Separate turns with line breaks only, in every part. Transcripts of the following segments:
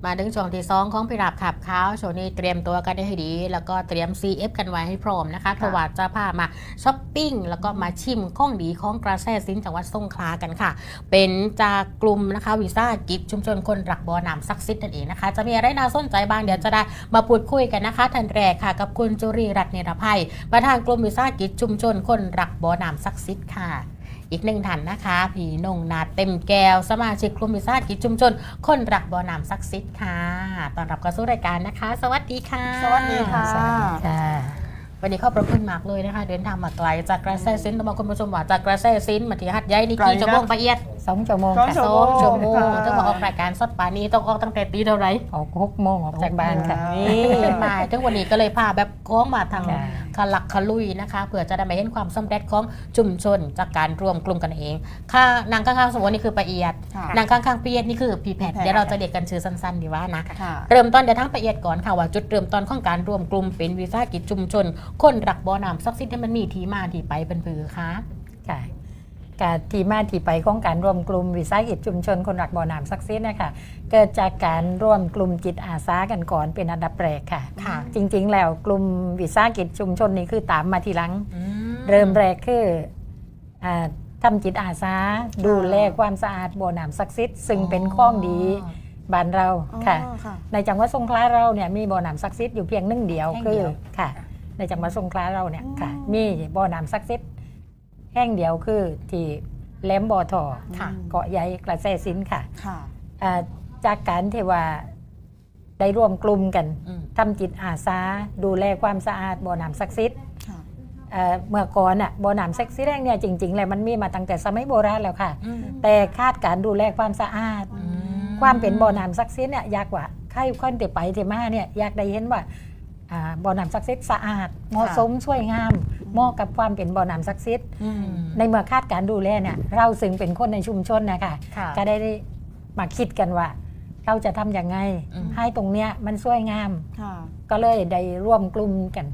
มาถึงช่วงที่2ของพิราบขับขาวช่วงนี้เตรียมตัวกันให้ดีแล้วก็เตรียม CF กันไว้ให้พร้อมนะคะเพราะว่าจะพามาช้อปปิ้งแล้วก็มาชิมของดีของกระแสสินจังหวัดสงขลากันค่ะเป็นจากกลุ่มนะคะวิสาหกิจชุมชนคนรักบ่อน้ำศักดิ์สิทธิ์นั่นเองนะคะจะมีอะไรน่าสนใจบ้างเดี๋ยวจะได้มาพูดคุยกันนะคะท่านแรกค่ะกับคุณจุรีรัตน์เนรภัยประธานกลุ่มวิสาหกิจชุมชนคนรักบ่อน้ำศักดิ์สิทธิ์ค่ะอีกหนึ่งท่านนะคะพี่นงนาเต็มแก้วสมาชิกกลุ่มวิสาหกิจชุมชนคนรักบ่อน้ำศักดิ์สิทธิ์ค่ะต้อนรับเข้าสู่รายการนะคะสวัสดีค่ะ
สวัสดีค่ะ
วันนี้ขอบพระคุณมากเลยนะคะเดินทางมาไกลจากกระแสสินต้องบอกคุณผู้ชมว่าจากกระแสสินมาที่หัดใหญ่นี่กี่ชั่วโมงละเอียด
2 ชั่วโมง
ค่ะ2 ชั่วโมงต้องมาออกรายการสดป่านี้ต้องออกตั้งแต่ตีเท่าไหร่
ออก6 โมงออกจากบ้านค่ะ
นี่มาถึงวันนี้ก็เลยพาแบบก้องมาทางขลักขลุยนะคะเพื่อจะได้มาเห็นความสำเร็จของชุมชนจากการรวมกลุ่มกันเองค่ะนางข้างๆสมมตินี่คือปะเอียดนางข้างๆปะเอียดนี่คือพีแพทเดี๋ยวเราจะเรียกกันชื่อสั้นๆดีว่านะเริ่มต้นเดี๋ยวทั้งปะเอียดก่อนค่ะว่าจุดเริ่มต้นของการรวมกลุ่มเป็นวิสาหกิจชุมชนคนรักบ่อน้ำศักดิ์สิทธิ์มันมีที่มาที่ไปเป็นผือคะ
ค่ะการที่มาที่ไปของการรวมกลุ่มวิสาหกิจชุมชนคนรักบ่อน้ำศักดิ์สิทธิ์นะคะเกิดจากการร่วมกลุ่มจิตอาสากันก่อนเป็นอันดับแรกค่ะจริงๆแล้วกลุ่มวิสาหกิจชุมชนนี้คือตามมาทีหลังเริ่มแรกคือทำจิตอาสาดูแลความสะอาดบ่อน้ำศักดิ์สิทธิ์ซึ่งเป็นข้องดีบ้านเราค่ะในจังหวัดสงขลาเราเนี่ยมีบ่อน้ำศักดิ์สิทธิ์อยู่เพียงหนึ่งเดียวคือค่ะในจังหวัดสงขลาเราเนี่ยค่ะมีบ่อน้ำศักดิ์สิทธิ์แห่งเดียวคือที่แหลมบ่อทอเกาะใหญ่กระแสสินค่ะจากการที่ว่าได้ร่วมกลุ่มกันทำจิตอาสาดูแลความสะอาดบ่อน้ำศักดิ์สิทธิ์เมื่อก่อนบ่อน้ำศักดิ์สิทธิ์แห่งเนี่ยจริงๆแล้วมันมีมาตั้งแต่สมัยโบราณแล้วค่ะแต่คาดการดูแลความสะอาดความเป็นบ่อน้ำศักดิ์สิทธิ์เนี่ยยากกว่าใครคนที่ไปที่มาเนี่ยอยากได้เห็นว่าบ่อน้ำศักดิ์สิทธิ์สะอาดเหมาะสมสวยงามเหมาะกับความเป็นบ่อน้ำศักดิ์สิทธิ์ในเมื่อคาดการดูแลเนี่ยเราซึ่งเป็นคนในชุมชนนะคะก็ได้มาคิดกันว่าเราจะทำอย่างไงให้ตรงเนี้ยมันสวยงามก็เลยได้ร่วมกลุ่มกัน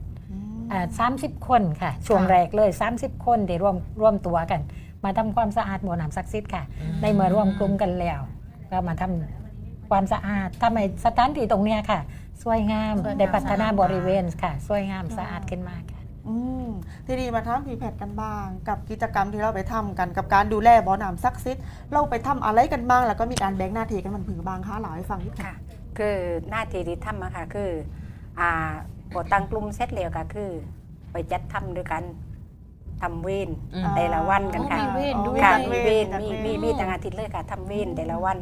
30 คนค่ะช่วงแรกเลย30 คนได้ร่วมตัวกันมาทำความสะอาดบ่อน้ำศักดิ์สิทธิ์ค่ะในเมื่อร่วมกลุ่มกันแล้วก็มาทำความสะอาดทำให้สถานที่ตรงเนี้ยค่ะสวยงามได้พัฒนาบริเวณค่ะสวยงามสะอาดขึ้นมาค่ะ
ทีนี้มาทำพีแพทกันบ้างกับกิจกรรมที่เราไปทำกันกับการดูแลบ่อน้ำศักดิ์สิทธิ์เราไปทำอะไรกันบ้างแล้วก็มีการแบ่งหน้าที่กันมันผือบางคะเล่าให้ฟังนิดค่ะ
คือหน้าที่ที่ทำค่ะคือพอตั้งกลุ่มเสร็จแล้วก็คือไปจัดทำด้วยกันทำเวรแต่ละวันกันค่ะค่ะมีเวรมีต่างอาทิตย์เลยค่ะทำเวรแต่ละวัน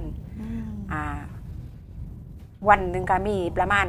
วันหนึ่งก็มีประมาณ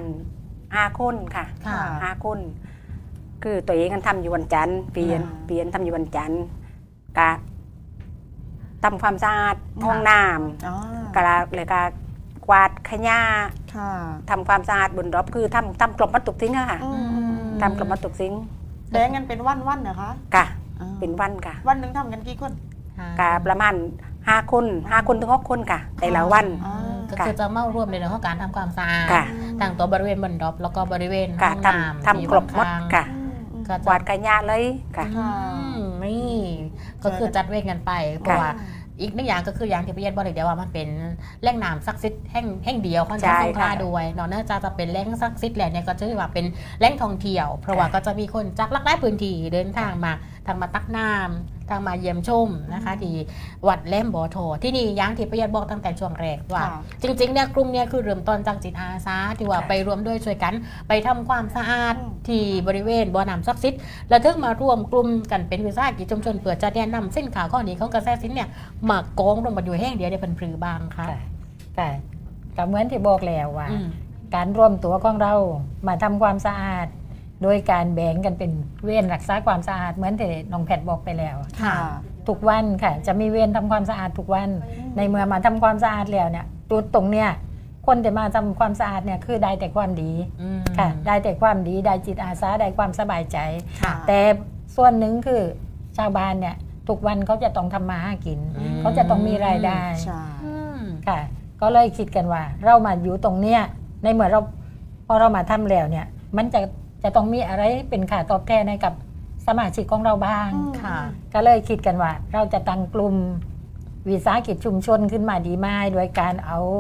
5 คนค่ะ5 คนคือตัวเองกันทำอยู่วันจันทร์เปลี่ยนทำอยู่วันจันทร์กะทำความสะอาดห้องน้ำกะเลยกะกวาดขยะทำความสะอาดบนรอบคือทำกลบมัดตุกทิ้งค่ะทำกลบมัดตุกทิ้ง
แบ่งกันเป็นวันเหรอคะ
กะเป็นวันค่ะ
วันหนึ่งทำกันกี่คน
กะประมาณ5 คนถึง6 คนค่ะแต่ละวัน
ก็คือจะเมารวมในเรื่องของการทำความสะอาดทั้งตัวบริเวณบนดรอปแล้วก็บริเวณห้องน้ำ
ทำกลบมัดค่ะกวาดขยะเลยค่ะ
นี่ก็คือจัดเวรกันไปเพราะว่าอีกหนึ่งอย่างก็คืออย่างที่พี่เย็นบอกเลยเดียวว่ามันเป็นแหล่งน้ำศักดิ์สิทธิ์แห่งเดียวของจังหวัดสงขลาด้วยเนื่องจากจะเป็นแหล่งศักดิ์สิทธิ์แหล่งนี้ก็จะเรียกว่าเป็นแหล่งท่องเที่ยวเพราะว่าก็จะมีคนจากหลากหลายพื้นที่เดินทางมาตักน้ำทางมาเยี่ยมชมนะคะที่วัดแหลมบ่อทอที่นี่อย่างที่พี่เย็นบอกตั้งแต่ช่วงแรกว่าจริงๆเนี่ยกลุ่มเนี่ยคือเริ่มต้นจากจิตอาสาที่ว่าไปรวมด้วยช่วยกันไปทำความสะอาดที่บริเวณบ่อน้ำศักดิ์สิทธิ์แล้วถึงมารวมกลุ่มกันเป็นวิสาหกิจชุมชนเพื่อจะแนะนำสินค้าข้อนี้ของกระแสสินเนี่ยมากองลงมาอยู่แห่งเดียวในพันปรือบางค่ะ
แต่ก็เหมือนที่บอกแล้วว่าการร่วมตัวของเรามาทำความสะอาดโดยการแบ่งกันเป็นเวรรักษาความสะอาดเหมือนที่น้องแพทบอกไปแล้วทุกวันค่ะจะมีเวรทำความสะอาดทุกวันในเมื่อมาทำความสะอาดแล้วเนี่ยจุดตรงเนี้ยคนที่มาทำความสะอาดเนี่ยคือได้แต่ความดีค่ะได้แต่ความดีได้จิตอาสาได้ความสบายใจแต่ส่วนหนึ่งคือชาวบ้านเนี่ยทุกวันเขาจะต้องทำมาหากินเขาจะต้องมีรายได้ค่ะก็เลยคิดกันว่าเรามาอยู่ตรงเนี้ยในเมื่อพอเรามาทำแล้วเนี่ยมันจะต้องมีอะไรเป็นค่าตอบแทนให้กับสมาชิกของเราบ้างก็เลยคิดกันว่าเราจะตั้งกลุ่มวิสาหกิจชุมชนขึ้นมาดีไหมโดยการเอาผ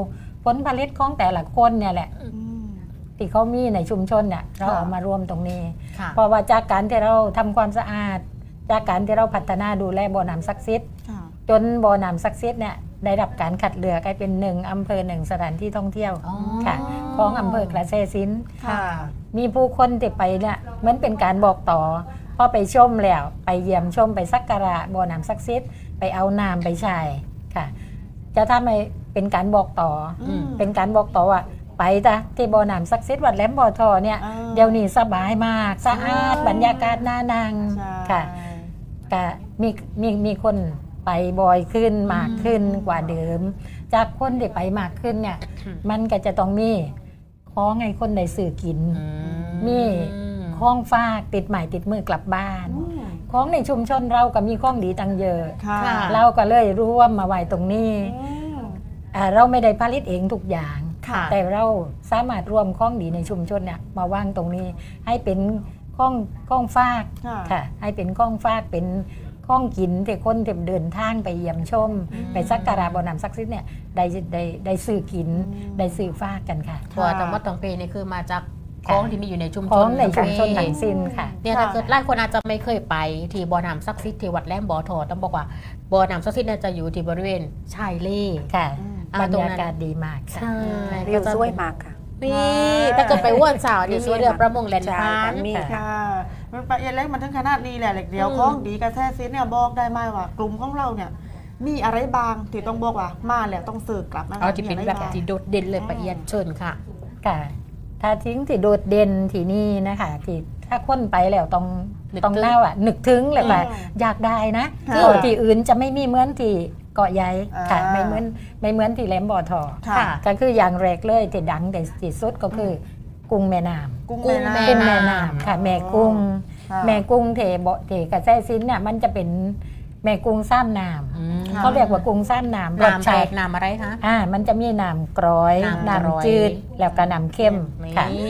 ผลผลิตของแต่ละคนเนี่ยแหละ
อืม
ที่เขามีในชุมชนเนี่ยเรา
ค่ะ
เอามารวมตรงนี้
ค่ะ
เพราะว่าจากการที่เราทำความสะอาด จากการที่เราพัฒนาดูแลบ่อน้ำศักดิ์สิทธิ์
ค่ะ
จนบ่อน้ำศักดิ์สิทธิ์เนี่ยได้รับการคัดเลือกให้เป็น1 อำเภอ 1 สถานที่ท่องเที่ยว
อ๋อ
ค่ะของอำเภอกระแสสินธุ์
ค่ะ
มีผู้คนที่ไปเนี่ยเหมือนเป็นการบอกต่อพอไปชมแล้วไปเยี่ยมชมไปสักการะบ่อน้ำศักดิ์สิทธิ์ไปเอาน้ำไปใช้ค่ะ จะทำให้เป็นการบอกต่ออ
ม
เป็นการบอกต่อว่าไปจ้ะที่บ่อน้ำศักดิ์สิทธิ์วัดแหลมบ่อทอเนี่ย
อ่า
เดี๋ยวนี้สบายมากสะอาดบรรยากาศน่านั่ง
ใช่
ค่ะก็มีคนไปบ่อยขึ้นมากขึ้นกว่าเดิม จากคนที่ไปมากขึ้นเนี่ยมันก็จะต้องมีของให้คนได้ซื้อกิน มี ของฝากติดใหม่ติดมือกลับบ้าน
อืม
ของในชุมชนเราก็มีของดีตั้งเยอะ
ค่ะ
ค่ะ
เราก็เลยรวมมาไว้ตรงนี้
อืม
เราไม่ได้ผลิตเองทุกอย่าง
ค่ะ
แต่เราสามารถรวมของดีในชุมชนเนี่ยมาวางตรงนี้ ให้เป็นของฝาก
ค่ะ
ค่ะ ให้เป็นของฝากเป็นของกินที่คนที่เดินทางไปเยี่ยมชม ไปสักการะบ่อน้ำศักดิ์สิทธิ์เนี่ยได้ซื้อกิน ได้ซื้อฝากกันค่ะ
ตัวจังหวัดตองเปนี่คือมาจากของที่มีอยู่ในชุมชน
ของในชุมชน
ทั้
ทั้
ง
งสิ้นค่ะ
เนี่ยถ้าเกิดหลายคนอาจจะไม่เคยไปที่บ่อน้ำศักดิ์สิทธิ์ที่วัดแหลมบ่อทอต้องบอกว่าบ่อน้ำศักดิ์สิทธิ์เนี่ยจะอยู่ที่บริเวณชายเล
ค่ะ
อืม
บรรยากาศดีมากค่ะ
ใช่
วิวสวยมากค่ะ
นี่ถ้าเกิดไปว่วนสาวนี่สวยเรือประมงแลนด์
ใช่
พา
ค่ะ
น
มี
ค่ะมันไปเอ็นเล็กมันถึงขนาดนี้แหละเหล็กเดียวของดีกระแทซิสเนี่ยบอกได้ไหมว่ากลุ่มของเราเนี่ยมีอะไรบางที่ต้องบอกว่ามาแล้วต้องสื่อกลับนะคะ
เอาที่เป็น
มี
แบ
อะ
บ
ไราง
ที่โดดเด่นเลยประเอียดเชิญค่ะ
ค่ะถ้าทิ้งที่โดดเด่นที่นี่นะคะที่ถ้าคนไปแล้วต้อง
นึก
ต้อง
ถึง
เล่าอ่ะนึกถึงเลยว่าอยากได้นะ
ค่ะ
เกาะที่อื่นจะไม่มีเหมือนที่เกาะใหญ่ค่ะ
อ่า
ไม่เหมือนที่แหลมบ่อทอ
ค่ะ
ก็คืออย่างแรกเลยที่ดังแต่ที่สุดก็คือกุ้งแม่น้ำ
กุ้ง
กุ้ง
แม่
แม่
กุ้ง
น้ำ
แม่น้ำค่ะ แม่กุ้ง
ค่ะ
แม่กุ้งเทบ่เทกระแสซินเนี่ยมันจะเป็นแม่กุ้งซ้ำน้ำเขาเรียกว่ากุ้งซ้ำน้ำรส
น้ำแปล
ชาก ติ
น้ำอะไรคะ
มันจะมีน้ำกร้อย
น้ำกร้อย
น้ำจืดแล้วก็น้ำเข้มค่ะ
นี่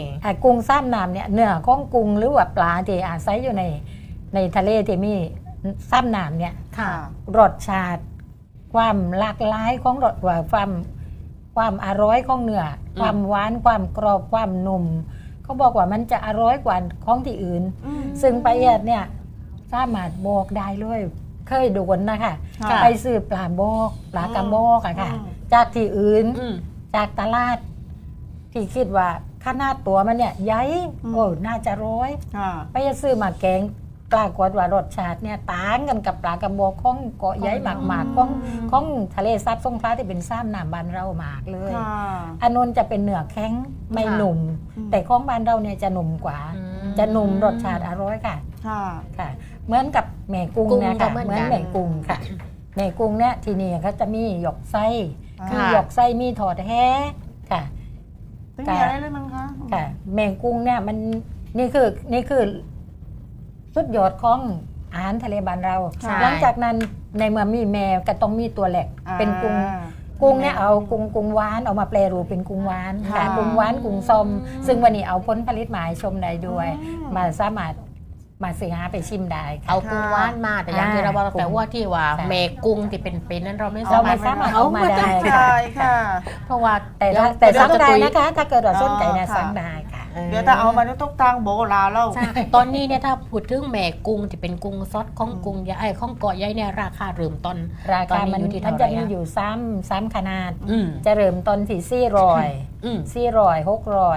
กุ้งซ้ำน้ำเนี่ยเนื้อของกุ้งหรือว่าปลาที่อาศัยอยู่ในทะเลที่มีซ้ำน้ำเนี่ย
ค่ะ
รสชาติความหลากหลายของรสว่าความอร่อยของเนื้อความหวานความกรอบความนุ่มเขาบอกว่ามันจะอร่อยกว่าของที่อื่น
อืม
ซึ่งไปเอ็ดเนี่ยสามารถบอกได้เลยเคยโดนนะคะ
ค่ะ
ไปซื้อปลาบอกปลากระบอกอะค่ะ
อืม
จากที่อื่น
อืม
จากตลาด ที่คิดว่าขนาดตัวมันเนี่ยใหญ่โอ้น่าจะร้อย
ค่ะ
ไปจะซื้อมาแกงปรากฏว่ารสชาติเนี่ยต่างกันกับปลากระบอกของเกาะใหญ่หมากๆของทะเลซับสงขลาที่เป็นซ้ำน้ำบานเราหมากเลย
ค่ะ
อันนนจะเป็นเนื้อแข็งไม่หนุ่ม
อืม
แต่ของบ้านเราเนี่ยจะหนุ่มกว่า
อืม
จะหนุ่มรสชาติอร่อยค่ะ
ค่ะ
ค่ะเหมือนกับแม่กุ้ง
กุ้ง
เนี่ย
ก็
ค่ะ
เหมือน
เหมือน
กัน
แม่กุ้งค่ะแม่กุ้งเนี่ยที่นี่เขาจะมีหยกไส้
ค่ะ
มีหยกไส้มีถอดแท้ค่ะ
ไม่มีอะไรเลยมั้งคะ
ค่ะแมงกุ้งเนี่ยมันนี่คือสุดยอดของอาหารทะเลบ้านเรา
ใช่
หลังจากนั้นในเมื่อมีแมวก็ต้องมีตัวแหลก
อ่า
เป็นกุ้งเนี่ยเอากุ้งหวานเอามาแปรรูปเป็นกุ้งหวานค่ะ
ค่ะ
กุ้งหวานกุ้งส้มซึ่งวันนี้เอาผลผลิตมาให้ชมได้ด้วย
อืม
มาสามารถมาซื้อหาไปชิมได้ค่ะ
เอากุ้งว่านมาแต่อย่างที่เราบอกแต่ว่าที่ว่า
ค่ะ
เมกุ้งที่เป็นนั้นเราไม่
เราไม่สามารถเอามาได้
ใช่ค่ะ
เพราะว่า
แต่ถ้า
เดี๋ยว
สั่ง
เราจะ
ได้
ตุย
นะคะ ถ้าเกิดว่าสนใจเนี่ย
อ๋อค่ะ
สั่งได้ค่ะ
เดี๋ยวถ้าเอามาต้องทางโบราณแล้ว
ใช่ตอนนี้เนี่ยถ้าพูดถึงแม่กุ้งที่เป็นกุ้งซอสของกุ้งใหญ่ของเกาะใหญ่เนี่ยราคาเริ่มต้น
รา
ตอน
คา
นี้
มัน
อยู่ที่
มัน
เท่าไหร่
จะมี
อะ
อยู่ซ้ำขนาด
อืม
จะเริ่มต้นที่
อืม
400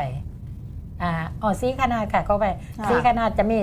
600ซีขนาดค่ะเข้าไป
ค่ะ
ซีขนาดจะมี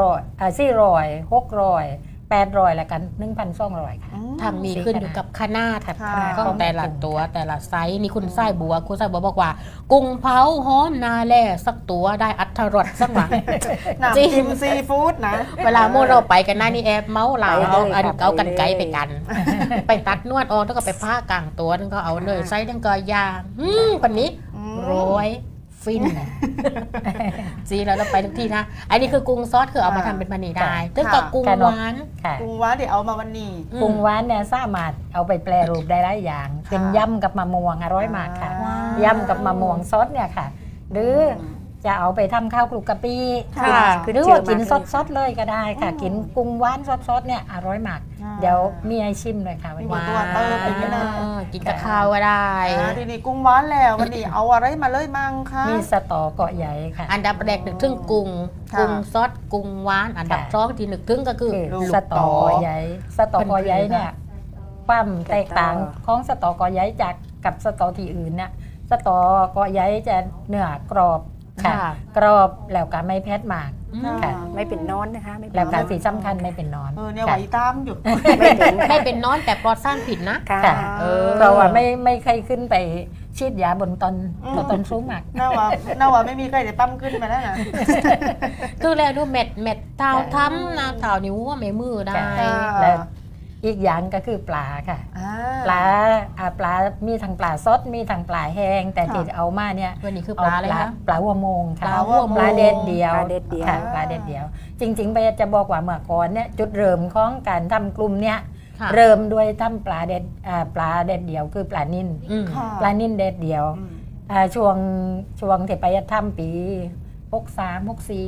400 600 800แล้วกัน 1,200 ค่ะ
ทางมีขึ้นอยู่กับขนาด
ค่ะ
ของแต่ละตัวแต่ละไซส์นี่คุณไส้บัวคุณไส้บัวบอกว่า กุ้งเผาหอมนาแล่สักตัวได้อัตรสสักหน่อย
น้ำ
จริง
จิ้มซีฟู้ดนะ
เวลาโมเราไปกันหน้านี่แอบเมาเหลา
ไปเลย
เอา
ค่ะ
เอากัน
ไปเลย
ไกลไปกัน ไปตัดนวดออกแล้วก็ไปผ้ากลางตัวนึงก็เอาเนยไส้นึงก็ยางคนนี้ โรยฟินจีแล้วเราไปทุกที่นะอันนี้คือกุ้งซอสคือเอามาทำเป็นพันนีได้ถึงกับกุ้งหวาน
ค่ะ
กุ้งหวานเดี๋ยวเอามาวันนี้
กุ้งหวานเนี่ยสามารถเอาไปแปรรูปได้หลายอย่าง เป็นยำกับมะม่วงอร่อยมากค่ะ
ว้าว
ยำกับมะม่วงซอสเนี่ยค่ะ หรือจะเอาไปทำข้าวคลุกกะปิ
ค่ะ
หรือว่ากินสดๆเลยก็ได้ค่ะ กินกุ้งหวานสดๆเนี่ยอร่อยมาก เดี๋ยวมีให้ชิมเลยค่ะวัน
มี
นี้
ตัวเติมเป็นยังไง
กินกับข้าวก็ได้
ทีนี้กุ้งหวานแล้ววันนี้เอาอะไรมาเลยมั่งคะ
มีสตอเกาะใหญ่ค่ะ
อันดับแรกนึกถึงกุ้ง
ค่ะ
กุ้งซดกุ้งหวานอันดับ
ค่ะ
สองที่นึกถึงก็คือ
คือ
ลูก
สตอเกาะใหญ่สตอเกาะใหญ่เนี่ยความแตกต่างของสตอเกาะใหญ่จากกับสตอที่อื่นเนี่ยสตอเกาะใหญ่จะเนื้อกรอบค่ะ
ค่ะ
กรอบแล้วก็ไม่แพทมาก ค่ะ
ไม่เป็นนอนนะคะไม่เป็น
แล้วก็
นอน
สีสำคัญไม่เป็นนอน
เนี่ยไหว
ค่ะ
ตามอยู่
ไม่เป็น
ไม่เป็นน้อนแต่ปลอดสร้างผิดนะ
ค่ะ
ค่ะ
เออ
เพราะว่าไม่เคยขึ้นไปฉีดยาบนต้น
อืม
ต้นสูงมาก
น่าว่าไม่มีใครจะปั้มขึ้นมาแล้วนะ
คือแล้วดูเม็ดเท้าทำนะเท้านิ้วว่าไม่มือได้
ค่ะ แล้วอีกอย่างก็คือปลาค่ะ ปลามีทั้งปลาสดมีทั้งปลาแห้งแต่
ค่ะ
ที่เอามาเนี่ย
วันนี้คือปลาอะไรคะ
ปลาหัวโมงค่ะ
ปลาหัวโมง
ปลาเด็ดเดียว
ปลาเด็ดเดียว
ค่ะปลาเด็ดเดียว จริงๆไปจะบอกว่าเมื่อก่อนเนี่ยจุดเริ่มของการทำกลุ่มเนี่ย
ค่ะ
เริ่มด้วยทำปลาเด็ดเดียวคือปลานิ่น
อืม
ค่ะ
ปลานิ่นเด็ดเดียว
อืม
ช่วงที่ไปทำปี63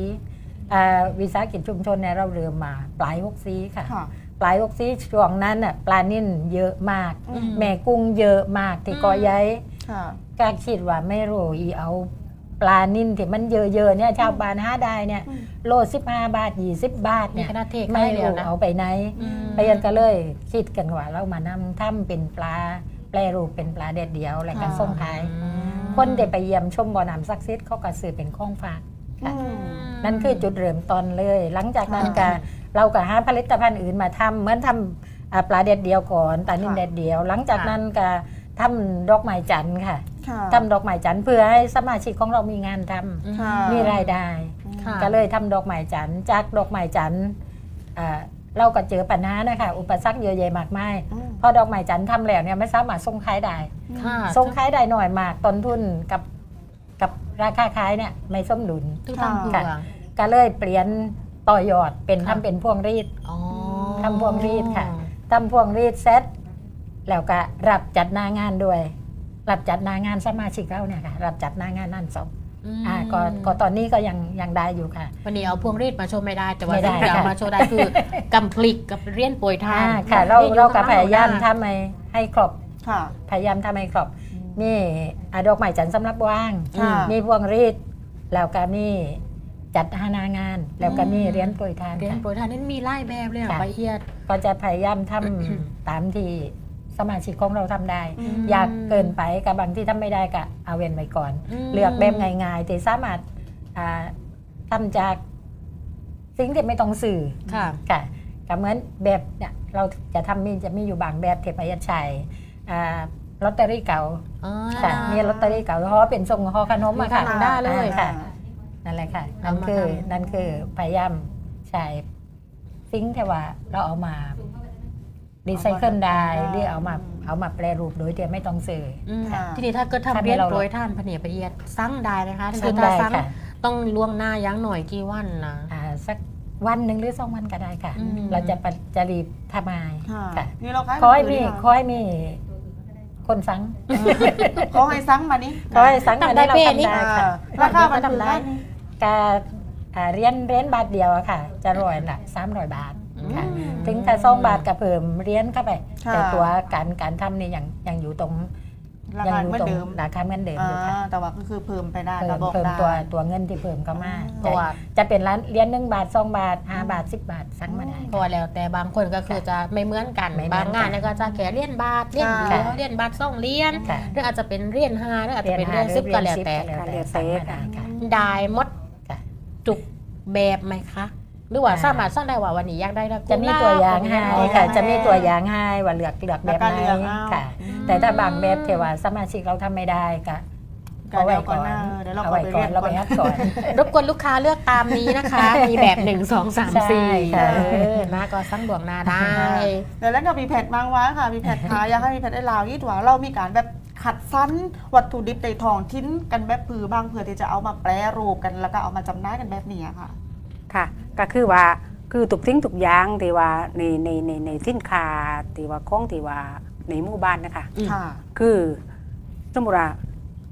64วิสาหกิจชุมชนเนี่ยเราเริ่มมาปลาย64ค่ะ
ค่ะ
ปลาย64ช่วงนั้นน่ะปลานิ่นเยอะมาก
อืม
แม่กุ้งเยอะมากที่เกอใหญ่
ค่ะ
ก็คิดว่าไม่รู้อีเอาปลานิ่นที่มันเยอะๆเนี่ยชาวบ้านหาได้เนี่ย
อืม
โล15 บาท20 บาท
มี
เนี่ย
คณะเทศ
ไม่
ให้แล้ว
รู้
นะ
เอาไปไหน
อืม
ไปยันก็เลยคิดกันว่าเรามานำทำเป็นปลาแปรรูปเป็นปลาเด็ดเดียวแล้วก็ส่งขาย คนได้ไปเยี่ยมชมบ่อน้ำศักดิ์สิทธิ์เขาก็ซื้อเป็นของฝากค่ะ
อืม
นั่นคือจุดเริ่มต้นเลย หลังจากนั้นก็
ค่ะ
เราก็หาผลิตภัณฑ์อื่นมาทำเหมือนทำปลาเด็ดเดียวก่อนปลานิ่ม
ค่ะ
เด็ดเดียว หลังจากนั้นก็ทำดอกไม้จันทร์ค่ะ
ค่ะ
ทำดอกไม้จันทร์เพื่อให้สมาชิกของเรามีงานทำ
ค่ะ
มีรายได้
ค่ะ
ก็เลยทำดอกไม้จันทร์จากดอกไม้จันทร์เราก็เจอปัญหานะคะอุปสรรคเยอะแยะมากมาย
อืม
พอดอกไม้จันทร์ทำแล้วเนี่ยไม่สามารถส่งขายได้
ค่ะ
ส่งขายได้หน่อยมากต้นทุนกับราคาขายเนี่ยไม่สมดุล
ทุกทางเผือก
ก็เลยเปลี่ยนต่อยอดเป็น
ค่ะ
ทำเป็นพวงรีด
อ๋อ
ทำพวงรีดค่ะ ทำพวงรีดเซตแล้วก็รับจัดหน้างานด้วย รับจัดหน้างานสมาชิกเราเนี่ยค่ะรับจัดหน้างานนั่นสอง
อืม
ก็ตอนนี้ก็ยังได้อยู่ค่ะ
วันนี้เอาพวงรีดมาโชว์ไม่ได้ แต่ว่า
ไม่ได้
สิ่งที่เอา
ค่ะ
มาโชว์ได้คือกำพลิกกับเรียนป่วยทาน
ค่ะ เราก็พยายามทำให้ครบ
ค่ะ
พยายามทำให้ครบมีดอกไม้จันทร์สำหรับว่าง
ค่ะ
มีพวงรีดแล้วก็มีจัดหางาน แล้วก็มีเรียนโปรยทาน
เรียน
ค่ะ
ป่วยทานนี่มีไล่แบบเลยเหรอ
ค่ะ
ละเอียด
ก็จะพยายามทำ ตามที่สมาชิกของเราทำได้
อืม
อยากเกินไปกับบางที่ทำไม่ได้ก็เอาเว้นไว้ก่อน
ม
เลือกแบบง่ายๆที่สามารถทำจากสิ่งที่ไม่ต้องสื่อ
ค่ะ
ค่ะก็เหมือนแบบเนี่ยเราจะมีอยู่บางแบบเทพยัญชัยลอตเตอรี่เก่า
อ๋อ
ค่ะมีลอตเตอรี่เก่าห่อเป็นทรงห่อขนมอะค่ะ
มีขนาดได้เลย
ค่ะนั่นแหละค่ะ
เอามาทำ
นั่นคือพยายามใช้สิ่งที่ว่าเราเอามารีไซเคิลได้หรือเอามาแปรรูปโดยที่ไม่ต้องซื้อ
อืม
ค่ะ
ทีนี้ถ้าเกิด
ทำให้
ทำเรียน
เรา
โปรยทานพะเนียดละเอียดสั่งได้ไหมคะ
สั่
คื
ง
อถ้า
ได้
สั่ง
ค่ะ
ต้องล่วงหน้ายั้งหน่อยกี่วันนะ
สักวันหนึ่งหรือ2 วันก็ได้ค่ะ
อืม
เราจะรีบทำมา
ค่ะ
ค่ะ
นี่เราขาย
ขอให้
มื
มี
ถื
ขอให้มีคนสั่ง
ขอให้ซังมานี่
ขอให้สั่งมาได้เราทำได้
อ่า
ค่ะ
ราคามัน
ทำได้
การเรียนบาทเดียวอะค่ะ จะรวยละ300 บาทค่ะ
อืม
ถึงถ้า2 บาทก็เพิ่มเรียนเข้าไป
ค่ะ
แต่ตัวการทำนี่ยังอยู่ตรง
รา
ยั
คา
อยู่
เหมือน
ตรง
เดิม
ราคาเหมือนเดิมอยู่ค่ะ
แต่ว่าก็คือเพิ่มไปได้
เพิ่
ก็
ม
บอก
เพิ่ม
ได้
ตัวเงินที่เพิ่มเข้ามา
เพราะว่า
จะเป็นร้านเรียน1 บาท2 บาท5 บาท10 บาทสั่งมาได้
เพราะว่าแล้วแต่บางคนก็คือจะไม่เหมือนกัน
ไม่เหมือนกัน
บางงานเนี่ยก็จะแค่เรียนบาทเรียนเดียว
ค่ะ
เรียนบาทส่องเรียน
ค่ะ
หรืออาจจะเป็นเรียน5หรืออาจจะเป็นเรียน10ก็แล้วแต่
สั่งมาได้ค่ะ
ได้หมด
ค่ะ
จุกแบบไหมคะ หรือว่าสามารถสร้างได้ว่าวันนี้อยากได้นะ
จะมีตัวอย่างให้ค่ะ จะมีตัวอย่างให้ว่าเลือกแบบไหนค่ะ แต่ถ้าบางแบบที่ว่าสมาชิกเราทำไม่ได้ก็
ก็เดี๋ยวก่อนหน้าเดี๋ยวเรา
เอา
ก็
ไว้
ไป
ก่อ
เรีย
น
ก
เรา
ก่
ไป
อน
อัดก่อน
รบกวนลูกค้าเลือกตามนี้นะคะ มีแบบ1 2 3
ใช่ค่ะ
4นะก็สั่งดวงหน้าได้
เดี๋ยวแล้วก็มีแพทบางว้าค่ะมีแพทขายอยากให้มีแพทได้ลาวยี่ถัวเรามีการแบบขัดฟันวัตถุดิบในท้องทิ้นกันแบบผือบางเพื่อที่จะเอามาแปรรูปกันแล้วก็เอามาจำหน่ายกันแบบนี้ค่ะ
ค่ะก็คือว่าคือทุกสิ่งทุกอย่างที่ว่าในสินค้าที่ว่าของที่ว่าในหมู่บ้านนะคะ
อืม
ค่ะ
คือสมมติว่า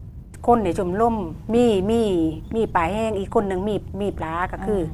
คนในชมรมมีปลาแห้งอีกคนหนึ่งมีปลาก็คือ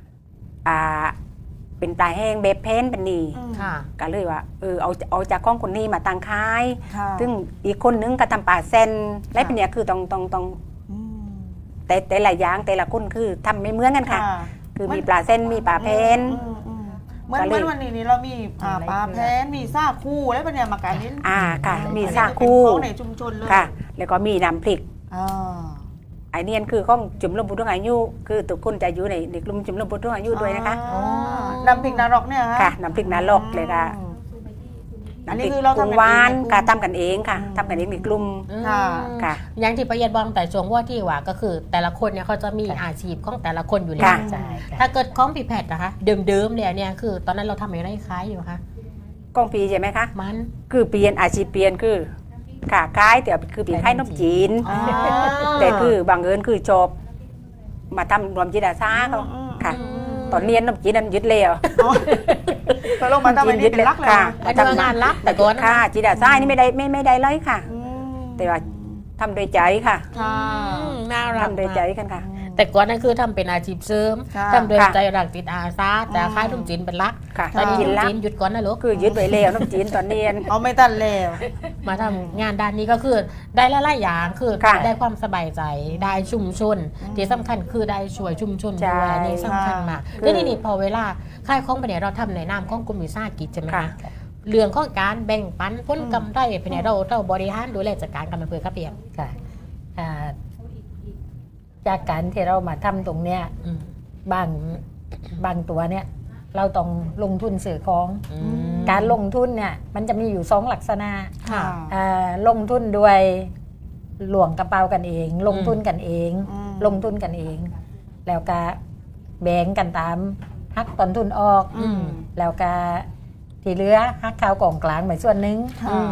เป็นปลาแห้งแบบเพนเป็นนี่
ค่ะ
ก็เลยว่าเอาจากของคนนี้มาตั้งขาย
ค่ะ
ซึ่งอีกคนนึงก็ทำปลาเซนและเป็นเนี่ยคือต้อง
อืม
แต่ละอย่างแต่ละคนคือทำไม่เหมือนกันค่ะ คือมีปลาเส้นมีปลาเพน
เหมือนวันนี้เรามีปลาแพนมีซ่าคู่แล้วเป็นเนี่ยมาการนี้
ค่ะ มีซา
เป็น
คู
ของในชุมชนเลย
ค่ะ แล้วก็มีน้ำพริก
อ่า
ไอเนียนคือของจุ่มลมบุตรอายุคือทุกคนจะอยู่ในกลุ่มจุ่มลมบุตรอายุด้วยนะคะ
อ๋อน้ำพริกนรกเนี่ยฮะ
ค่ะน้ำพริกนาลกเลยค่ะ
อันนี้คือเราทำ
กุ้งหวานค่ะทำกันเองค่ะทำกันเองในกลุ่ม
ค่ะ
ค่ะ
อย่างที่ประเย็นบอกแต่ช่วงว่าที่ว่าก็คือ แต่ละคนเนี่ยเขาจะมีอาชีพของแต่ละคนอยู่แล้ว
ค่ะ
ใช่ค่ะ
ถ้าเกิดของพี่แพทย์นะคะ เดิมๆเนี่ยคือตอนนั้นเราทำอะไรคล้ายอยู่คะ
กองปีใช่ไหมคะ
มัน
คือเปลี่ยนอาชีพเปลี่ยนคือค่ะคล้ายแต่คือเปลี่ยนคล้ายนมจีน
อ๋อ
แต่คือบางเอิญคือจบมาทำรวมจิตอาสาเขาค่ะ ตอนเรียนนมจีนนั้นยึดเลยเหรอ
ตกลงมาทำไมนี่เป็นรักเลย
ค่ะ
อันนี้ว่างานรักแต่ก่อนนะ
ค่ะจิตอาสานี่ไม่ได้เลยค่ะ
อืม
แต่ว่าทำโดยใจค่ะ
ค่ะ
น่ารัก
ทำโดยใจกันค่ะ
แต่ก่อนนั้นคือทำเป็นอาชีพเสริม
ค่ะ
ทำโดย
ค่ะ
ใจรักจิตอาสาแต่ค่ายทุ่มจีนเป็นรัก
ค่ะ
ตอนนี้
กิน
ทุ่ม
ละ
จีนหยุดก่อนนะลูก
คือยึดไว้แล้วนมจีนตอนเรียน
เอาไม่ตันแล้ว
มาทำงานด้านนี้ก็คือได้หลายๆอย่างคือ
ค่ะ
ได้ความสบายใจได้ชุมชน
อืม
ที่สำคัญคือได้ช่วยชุมชน
ใช่
ด้วยอันนี่สำคัญมาก
ค่ะ
แล้วนี่พอเวลาค่ายของไปเนี่ยเราทำในนามของกลุ่มวิสาหกิจใช่ไหม
ค่ะ
คะเรื่องของการแบ่งปันผลกำไรไปเนี่ยเราบริหารดูแลจัดการกันมาเพื่อครับเพียง
ค่ะอ่าจากการที่เรามาทำตรงเนี้ย
อืม
บางตัวเนี่ยเราต้องลงทุนสื่อของ
อืม
การลงทุนเนี่ยมันจะมีอยู่สองลักษณะ
ค่ะ
ลงทุนด้วยหลวงกระเป๋ากันเอง ลงทุนกันเอง
อืม
ลงทุนกันเอง แล้วก็แบ่งกันตามหักต้นทุนออก
อืม
แล้วก็ที่เหลือหักข้าวกล่องกลางไปส่วนหนึ่ง
ค่ะ
อืม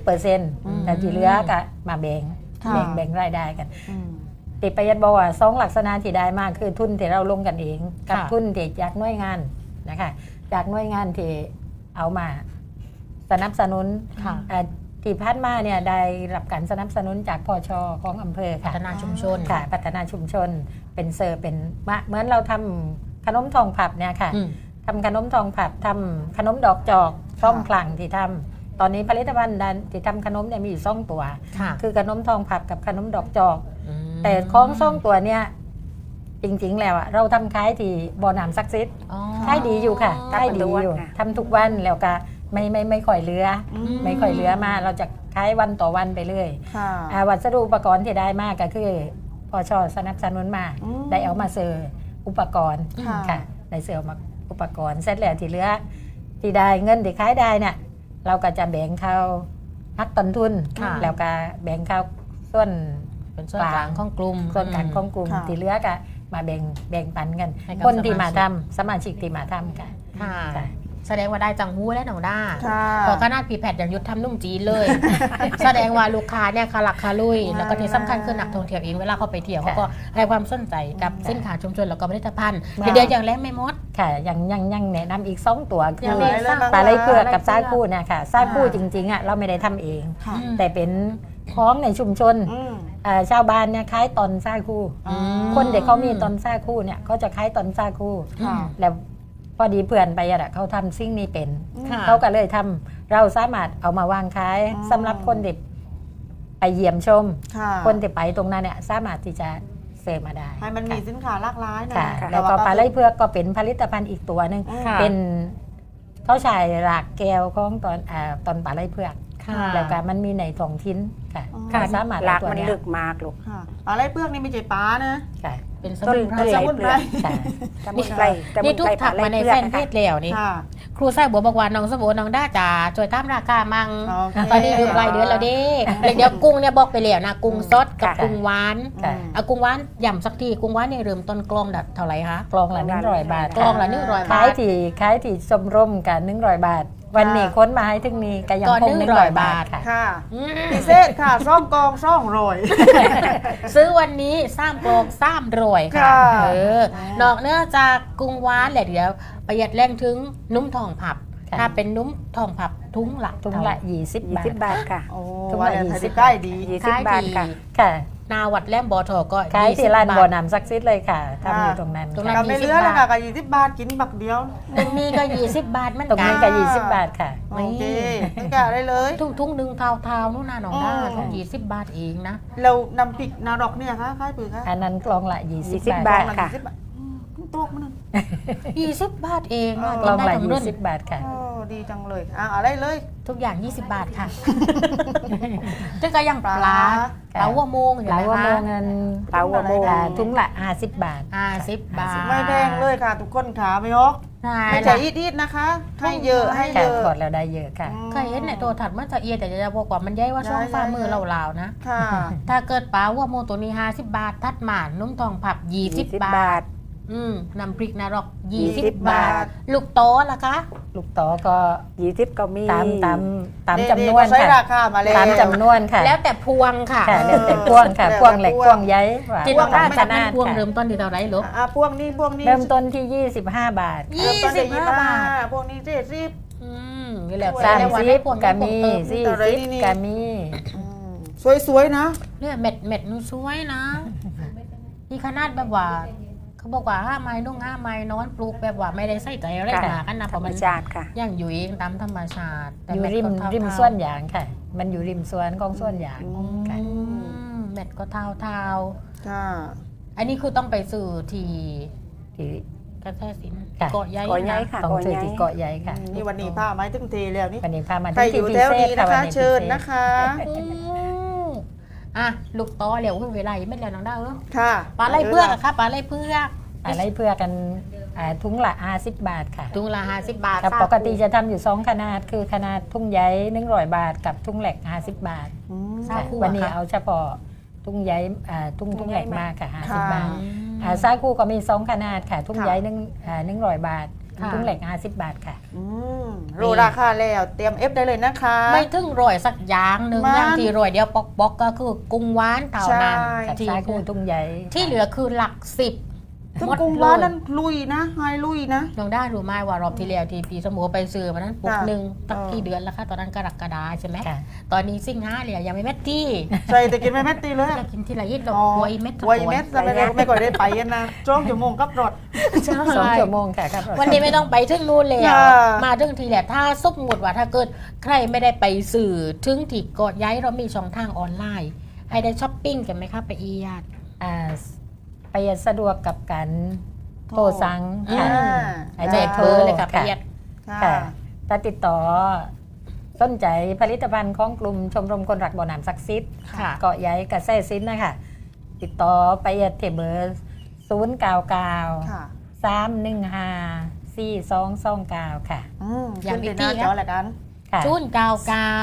10%แต่ที่เหลือก็มาแบ่ง
ค่ะ
แบ่งรายได้กัน
อืม
ติประหยัดบอกว่าสองลักษณะที่ได้มากคือทุนที่เราลงกันเอง กับ
ค่ะ
ทุนที่จากหน่วยงานนะคะจากหน่วยงานที่เอามาสนับสนุน
ค่ะ
ที่ผ่านมาเนี่ยได้รับการสนับสนุนจากพชของอำเภอ
พั
ค่ะ
ฒนาชุมชน
ค่ะพัฒนาชุมชนเป็นเซอร์เป็นเหมือนเราทำขนมทองผับเนี่ยค่ะ
อืม
ทำขนมทองผับทำขนมดอกจอกช่องคลังที่ทำตอนนี้ผลิตภัณฑ์ด้านที่ทำขนมเนี่ยมีอยู่2ตัว
ค่ะ
คือขนมทองผับกับขนมดอกจอก
อืม
แต่ของซ่องตัวเนี่ยจริงๆแล้วอะเราทำขายที่บ่อน้ำซักซิด
อ๋อ
ขายดีอยู่ค่ะขายดีอยู่
ค่ะ
ทำทุกวันแล้วก็ไม่ค่อยเหลือ
อืม
ไม่ค่อยเหลือมาเราจะขายวันต่อวันไปเรื่อย
ค่ะ
วัสดุอุปกรณ์ที่ได้มากก็คือพชสนับสนุนมา
อืม
ได้เอามาเสิร์ฟอุปกรณ์
ค่ะ
ค่ะได้เสิร์ฟมาอุปกรณ์เสร็จแล้วที่เหลือที่ได้เงินที่ขายได้เนี่ยเราก็จะแบ่งเข้าหักต้นทุน
ค่ะ
แล้วก็แบ่งเข้าส่วน
เป็นส่วนกลางของกลุ่ม
ส่วนกลางของกลุ่ม
ค่ะ
ที่เหลือก็มาแบ่งปันกัน
ให้กับ
คนที่มา
สมาชิ
ทำ
ก
สมาชิกที่มาทำกัน
ค่ะ
ค่ะ
แสดงว่าได้จังหู้และหนองด้า
ค่ะ
พอขนาดพีแพทอย่างยุทธทำนุ่มจีนเลย แสดงว่าลูกค้าเนี่ยคาหลักคาลุย แล้วก็ที่สำคัญคือนักท่องเที่ยวเองเวลาเขาไปเที่ยวเขาก็ให้ความสนใจกับสินค้าชุมชนแล้วก็ผลิตภัณฑ์
ค่ะ
เดี๋ยวอย่างแรกไม่หมด
ค่ะยังแนะนำอีก 2 ตัวคื
ยั
อง
ไง
ปลาไหลเผือกกับ
ปลา
ซา
ไหลเผือก
คู่เนี่ยค่ะซาคู่จริงๆอ่ะเราไม่ได้ทำเอง
ค่ะ
แต่เป็นของในชุมชน
อืม
ชาวบ้านเนี่ยขายตอนซาคู่
อืม
คนเด็กเขามีตอนซาคู่เนี่ยเขาจะขายตอนซาคู่
ค่ะ
แล้วพอดีเพื่อนไปอะเขาทำสิ่งนี้เป็น
ค่ะ
เขาก็เลยทำเราสามารถเอามาวางขาย
อ๋อ
สำหรับคนเด็กไปเยี่ยมชม
ค่ะ
คนที่ไปตรงนั้นเนี่ยสามารถที่จะเสพมาได้
ให้มันมีสินค้าหลากหลายนะ
ค่ะ
ต่
แล้วก็ปลาไหลเผือกก็เป็นผลิตภัณฑ์อีกตัวหนึ่ง
ค่ะ
เป็นเขาใช้รากแก้วของตอนปลาไหลเผือก
ค่ะ
แล้วก็มันมีในท้องทิ้นค่ะ
อ๋อ
ก็สามารถ
หลาก
เอาตัว
มัน
เนี้ย
ลึกมากลูก
ค่ะอะไรเปลือกนี่ไม่ใช่ปลานะ
ค่ะ
เป็นส
ต้น
มุนไพร
ต้นไหล
สมุนไพร
ค่ะ
สมุนไพรสมุ
นี่
น
ทุก
ไพร
ถักมาในแฟนเพจแล้วนี่
ค่ะ
ครูไส้บัวบอกว่าน้องสบู่น้องด้าจ๋าช่วยตามราคามัง
โอเค
ตอนนี้อยู่ปลายเดือนแล้วเด้เดี๋ยวกุ้งเนี่ยบอกไปแล้วนะกุ้งสดกับ
ค่ะ
กุ้งหวาน
ค่ะ
เอากุ้งหวานย่ำสักทีกุ้งหวานเนี่ยเริ่มต้นกลองเท่าไหร่คะ
กลองละ100 บาท
กลองละ100
ขา
บาย ท
ที่ชมรมกัน100 บาท วันนี้ค้นมาให้ถึงนี้ก็ยัง
ก็
คง
100
100 บาทค่ะ
ค่ะ
อืม
พิเศษค่ะซ่อมกองซ่องโรย
ซื้อวันนี้3กลอง3รวยค่ะ
ค่ะ
นอกเนื่องจากกุ้งหวานแหละเดี๋ยวประหยัดแรงถึงนุ่มทองผับ
ค่ะ
ถ้าเป็นนุ่มทองผับทุงละ
ถุงละ20 บาท
20 บาทค่ะ
โอ้
ทุก
ว่า
วัน
เดี๋ยว
20
ใกล้ดี
20 บาทค่ะ
ค่ะ
นาวัดแหลมบ่อทอก็
ขายที่ร้าน
20
บ่อน้ำศักดิ์สิทธิ์เลยค่ะทำอยู่ตรงนั้น
ตรงนั้น
กับไม่เลือเลยค่ะกับ20 บาทกินบักเดียว
ตรงนี้ก็20 บาทเหมัน
ตรง
กั
นี้
น
ก็20 บาทค่ะ
โอเคตั้งแต่ได้เลย
ทุ่งหนึ่งเท้าๆนู่นน่ะน้องด้า
อ๋อ
ทุ่ง20 บาทเองนะ
เรานำพริกนารอกเนี่ยค่ะค่ายปือค่ะ
อันนั้นกลองละ20
20
บาท
บาท ค่ะ
20 บาทตัวมัน
20 บาทเองอะ
เออ
กลอง
ได้
ละ
ทั้งรุ่น
20 บาทค่ะ
โอ้ดีจังเลยอะไรเลย
ทุกอย่าง 20 บาทค่ะจะก็ยังปลา
ค่ะ
ปลาหัวโมงอยู่
หลายว่า
นะ
โม
คะ
งเงิน
ปลาหัวโมง
ถุงละ50 บาท
50 บาท
ไม่แพงเลยค่ะ ทุกคนขาไม่ฮอก
ใช่
ไม่ใช่อีดๆนะคะ ให้เยอะให้
ค่ะ
เยอะ
ถอดแล้วได้เยอะค่ะ
เคยเห็นในตัวถัดมันจะเอียแต่จะบอกว่ามันใหญ่ว่าช่องฝ่ามือเราๆนะ
ค่ะ
ถ้าเกิดปลาหัวโมงตัวนี้50 บาท ทัดหมานุ่มทองผับ 20 บาท น้ำพริกนรก 20 บาท ลูกโตล่ะคะ
ลูกต่อก็
20ก็มี
ตามจำนวน
ใช้
ค่ะ
ราคามาเลย
ตามจำนวนค่ะ
แล้วแต่พวงค่ะ
ค่ะแล้วแต่พวงค่ะ
แล้วแต่
พวงเหล็ก
พวง
พวงใยว่า
จิตว่า
ตาม
จะ
ข
เป็
นาน ด
พวง
ค่ะ
เริ่มต้นที่เท่าไหรลูก
พวกนี้
เริ่มต้นที่ 25 บาท
ยี่
เริ่มต้นที่
25 บาท
พวกนี้70
นี่แหละ
สาม
แต่ว่า
30
ได้พวง
ก็มี
ได้พวงเติ
อะไรนี่
40ก็มี
สวยๆนะ
เนี่ยเม็ดนูสวยนะนี่ขนาดแบบว่า เขาบอกว่า5 ไม้นุ่ง5 ไม้นอนปลูกแบบว่าไม่ได้ใส่ใจอะไร
ค่ะ
หนากันนะเพ
ธร
ราะ
รม
มัน
ชาติค่ะ
ย่างอยู่เองตามธรรมชาติแต่
อยู่
เม็ด
ริม
ก็เท่าๆ
ริมสวนยางค่ะ มันอยู่ริมสวนของสวนยาง
อืม
ค่ะ
เม็ดก็เท่า
ค่ะ
ๆอันนี้คือต้องไปสื่อที่
ที่
กระแทสิน
ค่ะ
เกาะใหญ่
เกาะใหญ่
นะ
ค่ะ
ต้องซื้อที่เกาะใหญ่ค่ะ
นี่วันนี้ผ้าไม้ตึ้งเทแล้วนี่
วันนี้พามา
ใคร
ที่
อยู่
พิ
แถว
เศษ
นี้
ค่ะ
นะ
วัน
คะ
นี้
เชิญ
พิศษ
นะคะ
อ่ะลูกตอเหลวเวลาไม่แล้วน้องดาว
ค่ะ
ปลาไหลเพือกอะค่ะปลาไหลเพือก
อะไรเพื่อกันถุงละ50 บาทค่ะ
ถุงละ50 บาท
ครับปกติจะทำอยู่ 2 ขนาด คือขนาดทุ่งใย100 บาท กับทุ่งเหล็ก 50 บาท
ซาคู
วันนี้
อะค่ะ
เอาเฉพาะทุ่งใยทุ่งเหล็กมากค่ะ
ค่ะ
50 บาทซาคูก็มี 2 ขนาดค่ะ ทุ่งใย100 บาท
ค่ะ
ทุ่งเหล็ก 50 บาทค่ะ
รู้ราคาแล้วเตรียมเอฟได้เลยนะคะ
ไม่ถึงร่อยสักอย่างหนึ่ง
มัน
อย่างที่ร่อยเดียวปอกก็คือกุ้งหวานเท่านั้น
ใช่
กับ
ที่
ซาคูทุ่งใย
ที่เหลือคือหลัก10
ซึ่ง
หมด
กรุง
เล
ร้าน
ย
นั้นลุยนะไฮลุยนะ
น้องได้รู้ไหมว่ารอบที่แล้วที่ปีสมุทรไปซื้อมานั้นปุก
ค่ะ
หนึ่งตั้ง
เออ
กี่เดือนแล้วคะตอนนั้นกรกฎาใช่ไหม
ค่ะ
ตอนนี้สิงหาเลยยังไม่แม่ที่
ใส่แต่กินไม่แม่ตีเลย
จะกินทีละยิดดอก
อ๋อ
บัวอีเม็ดทั้ง
ไว
ตัว
เม็ดจะไม่ค่อยได้ไปกันนะจ้องชั่วโมงกับรถ
ใช่
2 ชั่วโมงค่ะครับ
วันนี้ไม่ต้องไปถึงนู่นแล้ว
ค่ะ
มาถึงทีแหละถ้าสมมติว่าถ้าเกิดใครไม่ได้ไปสื่อถึงที่เกาะย้ายเรามีช่องทางออนไลน์ ให้ได้ช้อปปิ้งกันไหมคะไปอียาด
ไปสะดวกกับการโทรสั่ง
อื
ค่ะ
ม
ให้
ใจ
ได้
เธ
โทร
อเลยค่ะประหยัด
ค่ะถ้าติดต่อสนใจผลิตภัณฑ์ของกลุ่มชมรมคนรักบ่อน้ำศักดิ์สิทธิ์
ค่ะ
เกาะใหญ่กระแสซิ้นนะคะ ติดต่อไปที่เบอร์099
ค่ะ
315 4229 ค่ะ
อย่าง
ขึ้น
พี่
ในห
ตี้
น้า
ครับ
จอแหละกัน
ค่ะ
จูนกาวกาว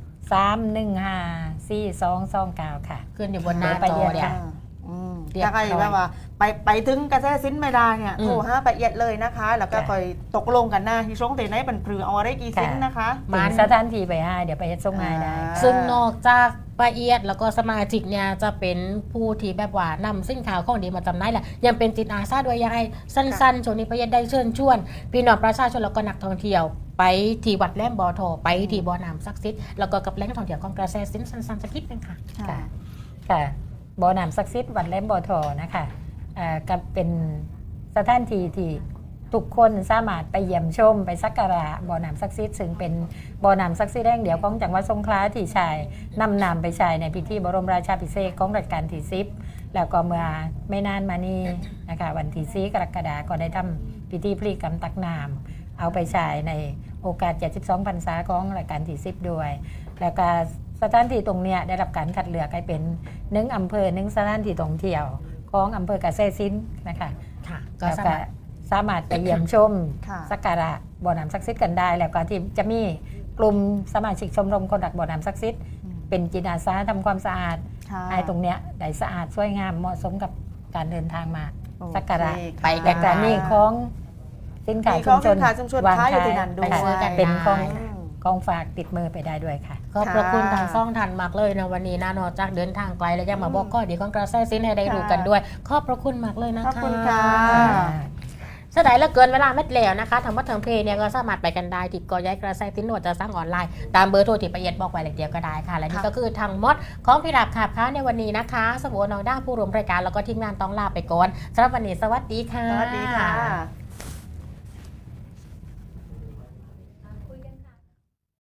315 4229 ค่ะ
ขึ้นอยู่บนหน้า
ไป
จอ
เรียน
เนี่ย
ค่ะ
เรียบร้
ถ้า
อย
ใครแบบว่าไปถึงกระแสสินไม่ได้เนี่ย
อืม
โทรหาละเอียดเลยนะคะ แล้วก็
ค่ะ
คอยตกลงกันนะที่ช่วงเตะไหนบันพรือเอาอะไรกี่สินนะคะ
ถึงสถานที่ไปให้เดี๋ยวไปเฮ็ดส่งให้ได้
ซึ่งนอกจากป้าเอียดแล้วก็สมาชิกเนี่ยจะเป็นผู้ที่แบบว่านำสินค้าของดีมาจำหน่ายแหละยังเป็นจิตอาสาด้วยยังไงสั้นๆช่วงนี้ป้าเอียดได้เชิญชวนพี่น้องประชาชนแล้วก็นักท่องเที่ยว ไปที่วัดแหลมบ่อทอไปที่บ่อน้ำศักดิ์สิทธิ์แล้วก็กับแหล่งท่องเที่ยวของกระแสสินสั้นๆสักนิดนึงค่ะ
ค่ะค่ะบ่อน้ำศักดิ์สิทธิ์วัดแหลมบ่อทอนะคะก็เป็นสถานที่ที่ทุกคนสามารถไปเยี่ยมชมไปสักการะบ่อน้ำศักดิ์สิทธิ์ซึ่งเป็นบ่อน้ำศักดิ์สิทธิ์แห่งเดียวของจังหวัดสงขลาที่ใช้นำน้ำไปใช้ในพิธีบรมราชาภิเษกของรัชกาลที่10แล้วก็เมื่อไม่นานมานี้นะคะวันที่4 กรกฎาคมก็ได้ทำพิธีพลีกรรมตักน้ำเอาไปใช้ในโอกาส 72 พรรษาของรัชกาลที่10ด้วย แล้วก็สถานที่ตรงเนี้ยได้รับการคัดเลือกให้เป็น1อำเภอ1สถานที่ท่องเที่ยวของอำเภอกเกษตรศิลป์นะคะ
ค่ะก็
แล้ว
สา
ก็
มารถ
สามารถไปเยี่ยมชม
ค่ะ
สักการะบ่อน้ำศักดิ์สิทธิ์กันได้ แล้วก็ที่จะมีกลุ่มสมาชิกชมรมคนรักบ่อน้ำศักดิ์สิทธิ์เป็นจิตอาสาทำความสะอาด
ค่ะ
ให้ตรงเนี้ยได้สะอาดสวยงามเหมาะสมกับการเดินทางมา
โอเค
สักการะ
ไป
ค่ะ
แต่ก็มีของสินค้า
มี
ชุ
ขอ
ม
ง
ช
สิ
น
นค้าชุมชน
วาง
ขายอยู่
ขาย
ที่นั่นด้วย
ไปซื้อกันเป็นของ
อืม
ของฝากติดมือไปได้ด้วยค่ะ
ขอบพระคุณทางซ่องทันมากเลยนะวันนี้นะนอกจากเดินทางไกลแล้วยังมาบอกข้อดีของกระแสสินให้ได้รู้กันด้วย ขอบพระคุณมากเลยนะ
ขอบ
คะ
คุณค่ะ
เสียดายเหลือเกินเวลาเม็ดแล้วนะคะทางวัดทางเพเนี่ยก็สามารถไปกันได้ที่กอย้ายกระแสติ้นหนวดจะสร้างออนไลน์ตามเบอร์โทรที่ประเอียดบอกไว้เลยเดียวก็ได้ค่ะและนี่ก็คือทางมดของพี่ดับขับค้าในวันนี้นะคะสบู่น้องด้าผู้ร่วมรายการแล้วก็ทีมงานต้องลาไปก่อนสำหรับวันนี้สวัสดีค่ะ
สวัสดีค่ะ